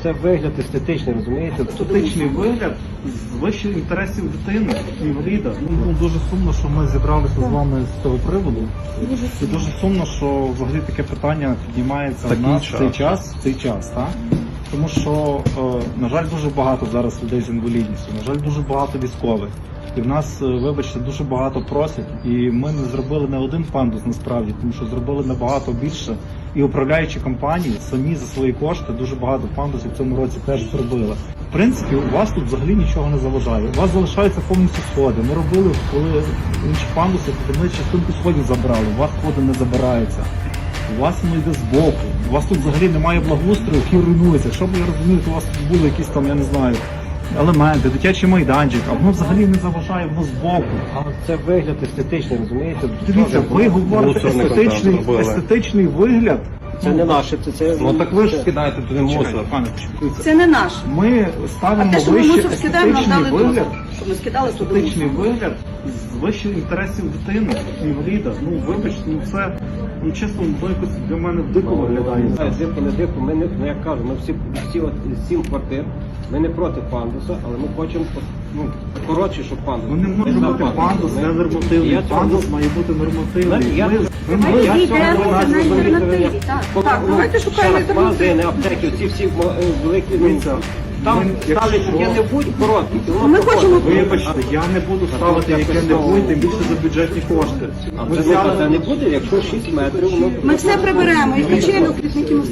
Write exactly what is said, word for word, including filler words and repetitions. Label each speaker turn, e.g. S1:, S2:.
S1: це вигляд естетичний, розумієте?
S2: Естетичний вигляд з вищих інтересів дитини, інваліда.
S3: Ну, дуже сумно, що ми зібралися з вами з цього приводу. І дуже сумно, що взагалі таке питання піднімається в нас в цей час, в цей час, так? Тому що, е, на жаль, дуже багато зараз людей з інвалідністю, на жаль, дуже багато військових. І в нас, е, вибачте, дуже багато просять. І ми не зробили не один пандус насправді, тому що зробили набагато більше. І управляючі компанії самі за свої кошти дуже багато пандусів в цьому році теж зробили. В принципі, у вас тут взагалі нічого не заважає. У вас залишаються повністю сходи. Ми робили, коли інші пандуси, то ми частинку сходів забрали, у вас сходи не забираються. У вас воно йде збоку. У вас тут взагалі немає благоустрою, який руйнується. Якщо б я розумію, то у вас тут були якісь там, я не знаю, елементи, дитячий майданчик, а воно взагалі не заважає, воно збоку.
S1: Але це вигляд естетичний, розумієте?
S3: Дивіться, ви говорите естетичний, естетичний вигляд.
S1: Це не наше, це це.
S2: Ну так ви ж скидаєте туди мусор.
S3: Пане,
S4: Це не наш.
S3: ми
S4: А
S3: ставимо
S4: те, що ми
S3: вище
S4: мусор скидаємо, нам
S3: естетичний
S4: дали
S3: вигляд.
S4: дозвіл. Щоб ми скидали туди
S2: Естетичний
S4: мусор.
S2: вигляд з вищих інтересів дитини, інваліда. Ну вибачте, ну це, ну чесно, ну, якось для мене дико виглядає.
S1: Дико, не дико, ми не, ну як кажу, ми всі, всі от сім квартир, ми не проти пандуса, але ми хочемо, ну, коротше, щоб пандус.
S2: Ну не може
S1: За
S2: бути пандус, не
S1: Я
S2: нормативний.
S1: цього-
S2: Пандус має бути нормативний.
S1: Я-
S2: Ми-
S1: ви-
S4: Ми
S1: ви- я
S4: йдемо
S1: цього не
S4: на
S1: знаю,
S4: альтернативі,
S1: розумієте,
S4: так.
S1: ви-
S4: Так,
S1: ну,
S4: давайте шукаємо
S1: ще раз, магазини,
S4: альтернативу.
S1: аптеки, ці всі м, е, великі, ну,
S2: Дивіться,
S1: там
S2: ми-
S1: ставлять
S2: якщо-
S1: яке-небудь коротке. і воно
S4: Ми
S1: проходить.
S4: хочемо-
S2: Вибачте, я не буду ставити яке-небудь, тим більше за бюджетні кошти.
S1: А
S2: Ми
S1: це
S2: взяли
S1: не буде, якщо шість метрів, воно...
S4: Ми все приберемо, і ключі, і квітники.